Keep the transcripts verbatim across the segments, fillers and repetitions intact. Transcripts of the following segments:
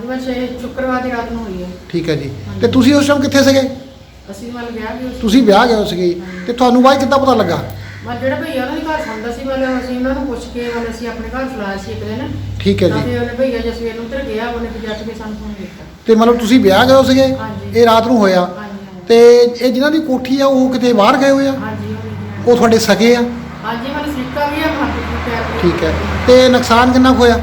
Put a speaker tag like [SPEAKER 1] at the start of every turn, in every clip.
[SPEAKER 1] ਬਸ ਇਹ ਸ਼ੁੱਕਰਵਾਰ ਦੀ ਰਾਤ ਨੂੰ ਹੋਈ ਹੈ।
[SPEAKER 2] ਠੀਕ ਹੈ ਜੀ। ਤੇ ਤੁਸੀਂ ਉਸ ਟਾਈਮ ਕਿੱਥੇ ਸੀਗੇ?
[SPEAKER 1] ਅਸੀਂ ਮਤਲਬ ਵਿਆਹ ਵੀ ਉਸ
[SPEAKER 2] ਤੁਸੀਂ ਵਿਆਹ ਗਏ ਸੀਗੇ ਤੇ ਤੁਹਾਨੂੰ ਬਾਅਦ ਕਿੱਦਾਂ ਪਤਾ ਲੱਗਾ?
[SPEAKER 1] ਮਤਲਬ ਜਿਹੜਾ ਭਈਆ ਉਹਨਾਂ ਦੇ ਘਰ ਸੌਂਦਾ ਸੀ ਮਤਲਬ ਅਸੀਂ ਉਹਨਾਂ ਨੂੰ ਪੁੱਛ ਕੇ ਮਤਲਬ ਅਸੀਂ ਆਪਣੇ ਘਰ ਸਲਾਇਆ ਸੀ ਇੱਕ ਦਿਨ।
[SPEAKER 2] ਠੀਕ ਹੈ ਜੀ।
[SPEAKER 1] ਤੇ ਉਹਨੇ ਭਈਆ ਜੇ ਸਵੇਰ ਨੂੰ ਉੱਧਰ ਗਿਆ ਉਹਨੇ ਫਿਰ ਜੱਟ ਕੇ ਸਾਨੂੰ ਫੋਨ ਕੀਤਾ।
[SPEAKER 2] ਤੇ ਮਤਲਬ ਤੁਸੀਂ ਵਿਆਹ ਗਏ ਸੀਗੇ?
[SPEAKER 1] ਹਾਂਜੀ।
[SPEAKER 2] ਇਹ ਰਾਤ ਨੂੰ ਹੋਇਆ?
[SPEAKER 1] ਹਾਂਜੀ।
[SPEAKER 2] ਤੇ ਇਹ ਜਿਨ੍ਹਾਂ ਦੀ ਕੋਠੀ ਆ ਉਹ ਕਿਤੇ ਬਾਹਰ ਗਏ ਹੋਏ ਆ?
[SPEAKER 1] ਹਾਂਜੀ
[SPEAKER 2] ਉਹ ਤੁਹਾਡੇ ਸਕੇ ਆ?
[SPEAKER 1] ਹਾਂਜੀ ਮਤਲਬ ਸਿੱਕਾ ਵੀ ਆ ਮਾਰਕੀਟ ਵਿੱਚ ਪਿਆ।
[SPEAKER 2] ਠੀਕ ਹੈ। ਤੇ ਨੁਕਸਾਨ ਕਿੰਨਾ ਕੁ ਹੋਇਆ?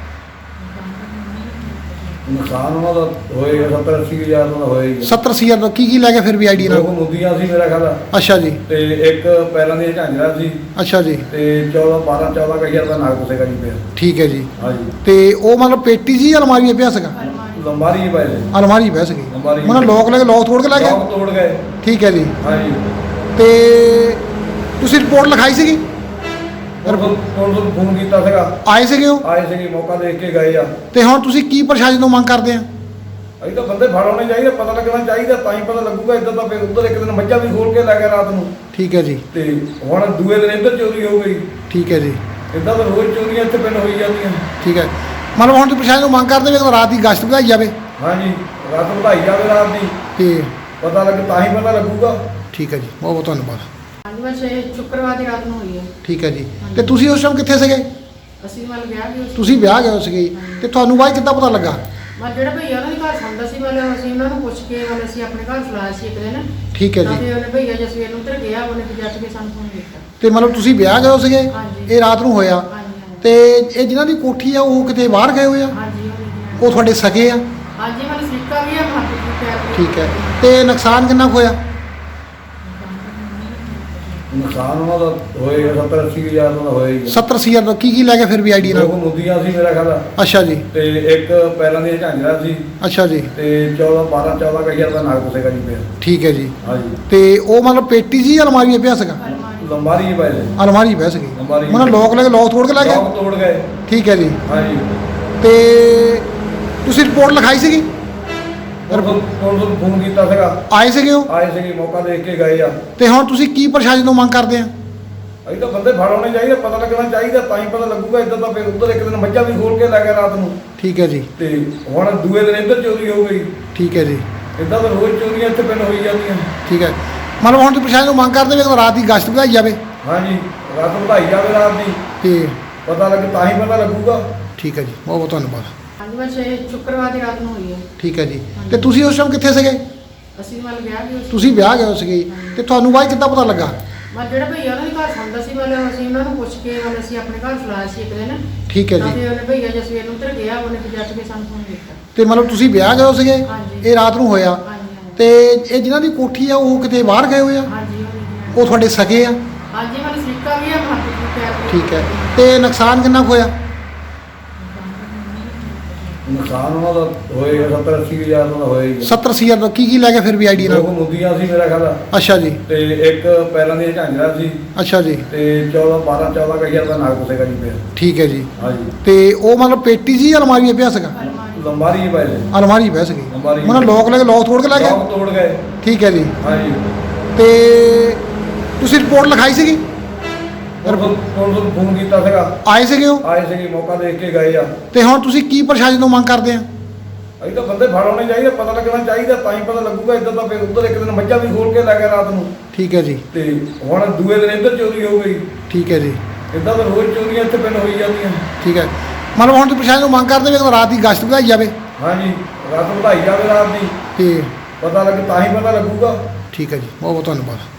[SPEAKER 3] ਨੁਕਸਾਨ ਉਹਨਾਂ ਦਾ ਹੋਏਗਾ ਸੱਤਰ ਅੱਸੀ ਹਜ਼ਾਰ ਦਾ ਹੋਏਗਾ।
[SPEAKER 2] ਸੱਤਰ ਅੱਸੀ ਹਜ਼ਾਰ ਦਾ ਕੀ ਕੀ ਲੈ ਗਏ ਫਿਰ ਵੀ ਆਈਡੀ ਨਾਲ?
[SPEAKER 3] ਦੋ ਮੁੰਦੀਆਂ ਸੀ ਮੇਰਾ ਖਿਆਲ।
[SPEAKER 2] ਅੱਛਾ ਜੀ।
[SPEAKER 3] ਤੇ ਇੱਕ ਪੈਰਾਂ ਦੀ ਝਾਂਜਰਾ ਸੀ।
[SPEAKER 2] ਅੱਛਾ ਜੀ।
[SPEAKER 3] ਤੇ ਚੌਦਾਂ ਬਾਰਾਂ ਚੌਦਾਂ ਕੁ ਹਜ਼ਾਰ ਦਾ ਨਾਗ ਸੀਗਾ ਜੀ ਪਿਆ।
[SPEAKER 2] ਠੀਕ ਹੈ ਜੀ।
[SPEAKER 3] ਹਾਂਜੀ।
[SPEAKER 2] ਤੇ ਉਹ ਮਤਲਬ ਪੇਟੀ ਜੀ ਅਲਮਾਰੀ ਪਿਆ ਸੀਗਾ?
[SPEAKER 3] ਲੰਬਾਰੀ ਹੀ ਪਏ ਸੀ।
[SPEAKER 2] ਅਲਮਾਰੀ ਪਿਆ ਸੀਗੀ।
[SPEAKER 3] ਅਲਮਾਰੀ
[SPEAKER 2] ਉਹਨਾਂ ਲੋਕ ਲੈ ਕੇ ਲੋਕ ਤੋੜ ਕੇ ਲੈ ਗਏ?
[SPEAKER 3] ਲੋਕ ਤੋੜ ਗਏ।
[SPEAKER 2] ਠੀਕ ਹੈ ਜੀ।
[SPEAKER 3] ਹਾਂਜੀ।
[SPEAKER 2] ਤੇ ਤੁਸੀਂ ਰਿਪੋਰਟ ਲਿਖਾਈ ਸੀਗੀ?
[SPEAKER 3] ਕੋਲ ਤੋਂ ਫੋਨ ਕੀਤਾ ਸੀਗਾ।
[SPEAKER 2] ਆਏ ਸੀਗੇ ਉਹ?
[SPEAKER 3] ਆਏ ਸੀਗੇ, ਮੌਕਾ ਦੇਖ ਕੇ ਗਏ ਆ।
[SPEAKER 2] ਤੇ ਹੁਣ ਤੁਸੀਂ ਕੀ ਪ੍ਰਸ਼ਾਸਨ ਤੋਂ ਮੰਗ ਕਰਦੇ ਆ?
[SPEAKER 3] ਅਸੀਂ ਤਾਂ ਬੰਦੇ ਫੜ ਹੋਣੇ ਚਾਹੀਦੇ, ਪਤਾ ਲੱਗਣਾ ਚਾਹੀਦਾ, ਤਾਂ ਹੀ ਪਤਾ ਲੱਗੂਗਾ। ਇੱਦਾਂ ਤਾਂ ਫਿਰ ਉੱਧਰ ਇੱਕ ਦਿਨ ਮੱਝਾਂ ਵੀ ਖੋਲ ਕੇ ਲੈ ਗਿਆ ਰਾਤ ਨੂੰ।
[SPEAKER 2] ਠੀਕ ਹੈ ਜੀ।
[SPEAKER 3] ਤੇ ਹੁਣ ਦੂਏ ਦਿਨ ਇੱਧਰ ਚੋਰੀ ਹੋ ਗਈ।
[SPEAKER 2] ਠੀਕ ਹੈ ਜੀ।
[SPEAKER 3] ਇੱਦਾਂ ਤਾਂ ਰੋਜ਼ ਚੋਰੀਆਂ ਇੱਥੇ ਪਿੰਡ ਹੋਈ ਜਾਂਦੀਆਂ।
[SPEAKER 2] ਠੀਕ ਹੈ। ਮਤਲਬ ਹੁਣ ਤੁਸੀਂ ਪ੍ਰਸ਼ਾਸਨ ਤੋਂ ਮੰਗ ਕਰਦੇ ਵੀ ਕਿ ਰਾਤ ਦੀ ਗਸ਼ਤ ਵਧਾਈ ਜਾਵੇ?
[SPEAKER 3] ਹਾਂਜੀ, ਰਾਤ ਵਧਾਈ ਜਾਵੇ ਰਾਤ ਦੀ।
[SPEAKER 2] ਤੇ
[SPEAKER 3] ਪਤਾ ਲੱਗ ਤਾਂ ਹੀ ਪਤਾ ਲੱਗੂਗਾ।
[SPEAKER 2] ਠੀਕ ਹੈ ਜੀ, ਬਹੁਤ ਬਹੁਤ ਧੰਨਵਾਦ।
[SPEAKER 1] ਹਾਂਜੀ ਬਸ ਇਹ ਸ਼ੁੱਕਰਵਾਰ ਦੀ ਰਾਤ ਨੂੰ ਹੋਈ ਹੈ।
[SPEAKER 2] ਠੀਕ ਹੈ ਜੀ। ਤੇ ਤੁਸੀਂ ਉਸ ਟਾਈਮ ਕਿੱਥੇ ਸੀਗੇ?
[SPEAKER 1] ਅਸੀਂ ਮਤਲਬ ਵਿਆਹ ਵੀ ਉਸ
[SPEAKER 2] ਤੁਸੀਂ ਵਿਆਹ ਗਏ ਸੀਗੇ ਤੇ ਤੁਹਾਨੂੰ ਬਾਅਦ ਕਿੱਦਾਂ ਪਤਾ ਲੱਗਾ?
[SPEAKER 1] ਮਤਲਬ ਜਿਹੜਾ ਭਈਆ ਉਹਨਾਂ ਦੇ ਘਰ ਸੌਂਦਾ ਸੀ ਮਤਲਬ ਅਸੀਂ ਉਹਨਾਂ ਨੂੰ ਪੁੱਛ ਕੇ ਮਤਲਬ ਅਸੀਂ ਆਪਣੇ ਘਰ ਸਲਾਇਆ ਸੀ ਇੱਕ ਦਿਨ।
[SPEAKER 2] ਠੀਕ ਹੈ ਜੀ।
[SPEAKER 1] ਤੇ ਉਹਨੇ ਭਈਆ ਜੇ ਸਵੇਰ ਨੂੰ ਉੱਧਰ ਗਿਆ ਉਹਨੇ ਫਿਰ ਜੱਟ ਕੇ ਸਾਨੂੰ ਫੋਨ ਕੀਤਾ।
[SPEAKER 2] ਤੇ ਮਤਲਬ ਤੁਸੀਂ ਵਿਆਹ ਗਏ ਸੀਗੇ?
[SPEAKER 1] ਹਾਂਜੀ।
[SPEAKER 2] ਇਹ ਰਾਤ ਨੂੰ ਹੋਇਆ?
[SPEAKER 1] ਹਾਂਜੀ।
[SPEAKER 2] ਤੇ ਇਹ ਜਿਨ੍ਹਾਂ ਦੀ ਕੋਠੀ ਆ ਉਹ ਕਿਤੇ ਬਾਹਰ ਗਏ ਹੋਏ ਆ?
[SPEAKER 1] ਹਾਂਜੀ।
[SPEAKER 2] ਉਹ ਤੁਹਾਡੇ ਸਕੇ ਆ?
[SPEAKER 1] ਹਾਂਜੀ ਮਤਲਬ ਸਿੱਕਾ ਵੀ ਆ ਮਾਰਕੀਟ ਵਿੱਚ ਪਿਆ।
[SPEAKER 2] ਠੀਕ ਹੈ। ਤੇ ਨੁਕਸਾਨ ਕਿੰਨਾ ਕੁ ਹੋਇਆ?
[SPEAKER 3] ਨੁਕਸਾਨ ਉਹਨਾਂ ਦਾ ਹੋਏਗਾ ਸੱਤਰ ਅੱਸੀ ਹਜ਼ਾਰ ਦਾ ਹੋਏਗਾ।
[SPEAKER 2] ਸੱਤਰ ਅੱਸੀ ਹਜ਼ਾਰ ਦਾ ਕੀ ਕੀ ਲੈ ਗਏ ਫਿਰ ਵੀ ਆਈਡੀ ਨਾਲ?
[SPEAKER 3] ਦੋ ਮੁੰਦੀਆਂ ਸੀ ਮੇਰਾ ਖਿਆਲ।
[SPEAKER 2] ਅੱਛਾ ਜੀ।
[SPEAKER 3] ਤੇ ਇੱਕ ਪੈਰਾਂ ਦੀ ਝਾਂਜਰਾ ਸੀ।
[SPEAKER 2] ਅੱਛਾ ਜੀ।
[SPEAKER 3] ਤੇ ਚੌਦਾਂ ਬਾਰਾਂ ਚੌਦਾਂ ਕੁ ਹਜ਼ਾਰ ਦਾ ਨਾਗ ਸੀਗਾ ਜੀ ਪਿਆ।
[SPEAKER 2] ਠੀਕ ਹੈ ਜੀ।
[SPEAKER 3] ਹਾਂਜੀ।
[SPEAKER 2] ਤੇ ਉਹ ਮਤਲਬ ਪੇਟੀ ਜੀ ਅਲਮਾਰੀ ਪਿਆ ਸੀਗਾ?
[SPEAKER 3] ਲੰਬਾਰੀ ਹੀ ਪਏ ਸੀ।
[SPEAKER 2] ਅਲਮਾਰੀ ਪਿਆ ਸੀਗੀ।
[SPEAKER 3] ਅਲਮਾਰੀ।
[SPEAKER 2] ਉਹਨਾਂ ਲੋਕ ਲੈ ਕੇ ਲੋਕ ਤੋੜ ਕੇ ਲੈ ਗਏ?
[SPEAKER 3] ਲੋਕ ਤੋੜ ਗਏ।
[SPEAKER 2] ਠੀਕ ਹੈ ਜੀ।
[SPEAKER 3] ਹਾਂਜੀ।
[SPEAKER 2] ਤੇ ਤੁਸੀਂ ਰਿਪੋਰਟ ਲਿਖਾਈ ਸੀਗੀ?
[SPEAKER 3] ਕੋਲ ਤੋਂ ਫੋਨ ਕੀਤਾ ਸੀਗਾ।
[SPEAKER 2] ਆਏ ਸੀਗੇ ਉਹ?
[SPEAKER 3] ਆਏ ਸੀਗੇ, ਮੌਕਾ ਦੇਖ ਕੇ ਗਏ ਆ।
[SPEAKER 2] ਤੇ ਹੁਣ ਤੁਸੀਂ ਕੀ ਪ੍ਰਸ਼ਾਸਨ ਤੋਂ ਮੰਗ ਕਰਦੇ ਆ?
[SPEAKER 3] ਅਸੀਂ ਤਾਂ ਬੰਦੇ ਫੜ ਹੋਣੇ ਚਾਹੀਦੇ, ਪਤਾ ਲੱਗਣਾ ਚਾਹੀਦਾ, ਤਾਂ ਹੀ ਪਤਾ ਲੱਗੂਗਾ। ਇੱਦਾਂ ਤਾਂ ਫਿਰ ਉੱਧਰ ਇੱਕ ਦਿਨ ਮੱਝਾਂ ਵੀ ਖੋਲ ਕੇ ਲੈ ਗਿਆ ਰਾਤ ਨੂੰ।
[SPEAKER 2] ਠੀਕ ਹੈ ਜੀ।
[SPEAKER 3] ਤੇ ਹੁਣ ਦੂਏ ਦਿਨ ਇੱਧਰ ਚੋਰੀ ਹੋ ਗਈ।
[SPEAKER 2] ਠੀਕ ਹੈ ਜੀ।
[SPEAKER 3] ਇੱਦਾਂ ਤਾਂ ਰੋਜ਼ ਚੋਰੀਆਂ ਇੱਥੇ ਪਿੰਡ ਹੋਈ ਜਾਂਦੀਆਂ।
[SPEAKER 2] ਠੀਕ ਹੈ। ਮਤਲਬ ਹੁਣ ਤੁਸੀਂ ਪ੍ਰਸ਼ਾਸਨ ਤੋਂ ਮੰਗ ਕਰਦੇ ਵੀ ਕਿ ਰਾਤ ਦੀ ਗਸ਼ਤ ਵਧਾਈ ਜਾਵੇ?
[SPEAKER 3] ਹਾਂਜੀ, ਰਾਤ ਵਧਾਈ ਜਾਵੇ ਰਾਤ ਦੀ।
[SPEAKER 2] ਤੇ
[SPEAKER 3] ਪਤਾ ਲੱਗ ਤਾਂ ਹੀ ਪਤਾ ਲੱਗੂਗਾ।
[SPEAKER 2] ਠੀਕ ਹੈ ਜੀ, ਬਹੁਤ ਬਹੁਤ ਧੰਨਵਾਦ।
[SPEAKER 1] ਹਾਂਜੀ ਬਸ ਇਹ ਸ਼ੁੱਕਰਵਾਰ ਦੀ ਰਾਤ ਨੂੰ ਹੋਈ ਹੈ।
[SPEAKER 2] ਠੀਕ ਹੈ ਜੀ। ਤੇ ਤੁਸੀਂ ਉਸ ਟਾਈਮ ਕਿੱਥੇ ਸੀਗੇ?
[SPEAKER 1] ਅਸੀਂ ਮਤਲਬ ਵਿਆਹ ਵੀ ਉਸ
[SPEAKER 2] ਤੁਸੀਂ ਵਿਆਹ ਗਏ ਸੀਗੇ ਤੇ ਤੁਹਾਨੂੰ ਬਾਅਦ ਕਿੱਦਾਂ ਪਤਾ ਲੱਗਾ?
[SPEAKER 1] ਮਤਲਬ ਜਿਹੜਾ ਭਈਆ ਉਹਨਾਂ ਦੇ ਘਰ ਸੌਂਦਾ ਸੀ ਮਤਲਬ ਅਸੀਂ ਉਹਨਾਂ ਨੂੰ ਪੁੱਛ ਕੇ ਮਤਲਬ ਅਸੀਂ ਆਪਣੇ ਘਰ ਸਲਾਇਆ ਸੀ ਇੱਕ ਦਿਨ।
[SPEAKER 2] ਠੀਕ ਹੈ ਜੀ।
[SPEAKER 1] ਤੇ ਉਹਨੇ ਭਈਆ ਜੇ ਸਵੇਰ ਨੂੰ ਉੱਧਰ ਗਿਆ ਉਹਨੇ ਫਿਰ ਜੱਟ ਕੇ ਸਾਨੂੰ ਫੋਨ ਕੀਤਾ।
[SPEAKER 2] ਤੇ ਮਤਲਬ ਤੁਸੀਂ ਵਿਆਹ ਗਏ ਸੀਗੇ?
[SPEAKER 1] ਹਾਂਜੀ।
[SPEAKER 2] ਇਹ ਰਾਤ ਨੂੰ ਹੋਇਆ?
[SPEAKER 1] ਹਾਂਜੀ।
[SPEAKER 2] ਤੇ ਇਹ ਜਿਨ੍ਹਾਂ ਦੀ ਕੋਠੀ ਆ ਉਹ ਕਿਤੇ ਬਾਹਰ ਗਏ ਹੋਏ ਆ?
[SPEAKER 1] ਹਾਂਜੀ।
[SPEAKER 2] ਉਹ ਤੁਹਾਡੇ ਸਕੇ ਆ?
[SPEAKER 1] ਹਾਂਜੀ ਮਤਲਬ ਸਿੱਕਾ ਵੀ ਆ ਮਾਰਕੀਟ ਵਿੱਚ ਪਿਆ।
[SPEAKER 2] ਠੀਕ ਹੈ। ਤੇ ਨੁਕਸਾਨ ਕਿੰਨਾ ਕੁ ਹੋਇਆ?
[SPEAKER 3] ਨੁਕਸਾਨ ਉਹਨਾਂ ਦਾ ਹੋਏਗਾ ਸੱਤਰ ਅੱਸੀ ਹਜ਼ਾਰ ਦਾ ਹੋਏਗਾ।
[SPEAKER 2] ਸੱਤਰ ਅੱਸੀ ਹਜ਼ਾਰ ਦਾ ਕੀ ਕੀ ਲੈ ਗਏ ਫਿਰ ਵੀ ਆਈਡੀ ਨਾਲ?
[SPEAKER 3] ਦੋ ਮੁੰਦੀਆਂ ਸੀ ਮੇਰਾ ਖਿਆਲ।
[SPEAKER 2] ਅੱਛਾ ਜੀ।
[SPEAKER 3] ਤੇ ਇੱਕ ਪੈਰਾਂ ਦੀ ਝਾਂਜਰਾ ਸੀ।
[SPEAKER 2] ਅੱਛਾ ਜੀ।
[SPEAKER 3] ਤੇ ਚੌਦਾਂ ਬਾਰਾਂ ਚੌਦਾਂ ਕੁ ਹਜ਼ਾਰ ਦਾ ਨਾਗ ਸੀਗਾ ਜੀ ਪਿਆ।
[SPEAKER 2] ਠੀਕ ਹੈ ਜੀ।
[SPEAKER 3] ਹਾਂਜੀ।
[SPEAKER 2] ਤੇ ਉਹ ਮਤਲਬ ਪੇਟੀ ਜੀ ਅਲਮਾਰੀ ਪਿਆ ਸੀਗਾ?
[SPEAKER 3] ਲੰਬਾਰੀ ਹੀ ਪਏ ਸੀ।
[SPEAKER 2] ਅਲਮਾਰੀ ਪਿਆ ਸੀਗੀ।
[SPEAKER 3] ਅਲਮਾਰੀ।
[SPEAKER 2] ਉਹਨਾਂ ਲੋਕ ਲੈ ਕੇ ਲੋਕ ਤੋੜ ਕੇ ਲੈ ਗਏ?
[SPEAKER 3] ਲੋਕ ਤੋੜ ਗਏ।
[SPEAKER 2] ਠੀਕ ਹੈ ਜੀ।
[SPEAKER 3] ਹਾਂਜੀ।
[SPEAKER 2] ਤੇ ਤੁਸੀਂ ਰਿਪੋਰਟ ਲਿਖਾਈ ਸੀਗੀ?
[SPEAKER 3] ਕੋਲ ਤੋਂ ਫੋਨ ਕੀਤਾ ਸੀਗਾ।
[SPEAKER 2] ਆਏ ਸੀਗੇ ਉਹ?
[SPEAKER 3] ਆਏ ਸੀਗੇ, ਮੌਕਾ ਦੇਖ ਕੇ ਗਏ ਆ।
[SPEAKER 2] ਤੇ ਹੁਣ ਤੁਸੀਂ ਕੀ ਪ੍ਰਸ਼ਾਸਨ ਤੋਂ ਮੰਗ ਕਰਦੇ ਆ?
[SPEAKER 3] ਅਸੀਂ ਤਾਂ ਬੰਦੇ ਫੜ ਹੋਣੇ ਚਾਹੀਦੇ, ਪਤਾ ਲੱਗਣਾ ਚਾਹੀਦਾ, ਤਾਂ ਹੀ ਪਤਾ ਲੱਗੂਗਾ। ਇੱਦਾਂ ਤਾਂ ਫਿਰ ਉੱਧਰ ਇੱਕ ਦਿਨ ਮੱਝਾਂ ਵੀ ਖੋਲ ਕੇ ਲੈ ਗਿਆ ਰਾਤ ਨੂੰ।
[SPEAKER 2] ਠੀਕ ਹੈ ਜੀ।
[SPEAKER 3] ਤੇ ਹੁਣ ਦੂਏ ਦਿਨ ਇੱਧਰ ਚੋਰੀ ਹੋ ਗਈ।
[SPEAKER 2] ਠੀਕ ਹੈ ਜੀ।
[SPEAKER 3] ਇੱਦਾਂ ਤਾਂ ਰੋਜ਼ ਚੋਰੀਆਂ ਇੱਥੇ ਪਿੰਡ ਹੋਈ ਜਾਂਦੀਆਂ।
[SPEAKER 2] ਠੀਕ ਹੈ। ਮਤਲਬ ਹੁਣ ਤੁਸੀਂ ਪ੍ਰਸ਼ਾਸਨ ਤੋਂ ਮੰਗ ਕਰਦੇ ਵੀ ਕਿ ਰਾਤ ਦੀ ਗਸ਼ਤ ਵਧਾਈ ਜਾਵੇ?
[SPEAKER 3] ਹਾਂਜੀ, ਰਾਤ ਵਧਾਈ ਜਾਵੇ ਰਾਤ ਦੀ।
[SPEAKER 2] ਤੇ
[SPEAKER 3] ਪਤਾ ਲੱਗ ਤਾਂ ਹੀ ਪਤਾ ਲੱਗੂਗਾ।
[SPEAKER 2] ਠੀਕ ਹੈ ਜੀ, ਬਹੁਤ ਬਹੁਤ ਧੰਨਵਾਦ।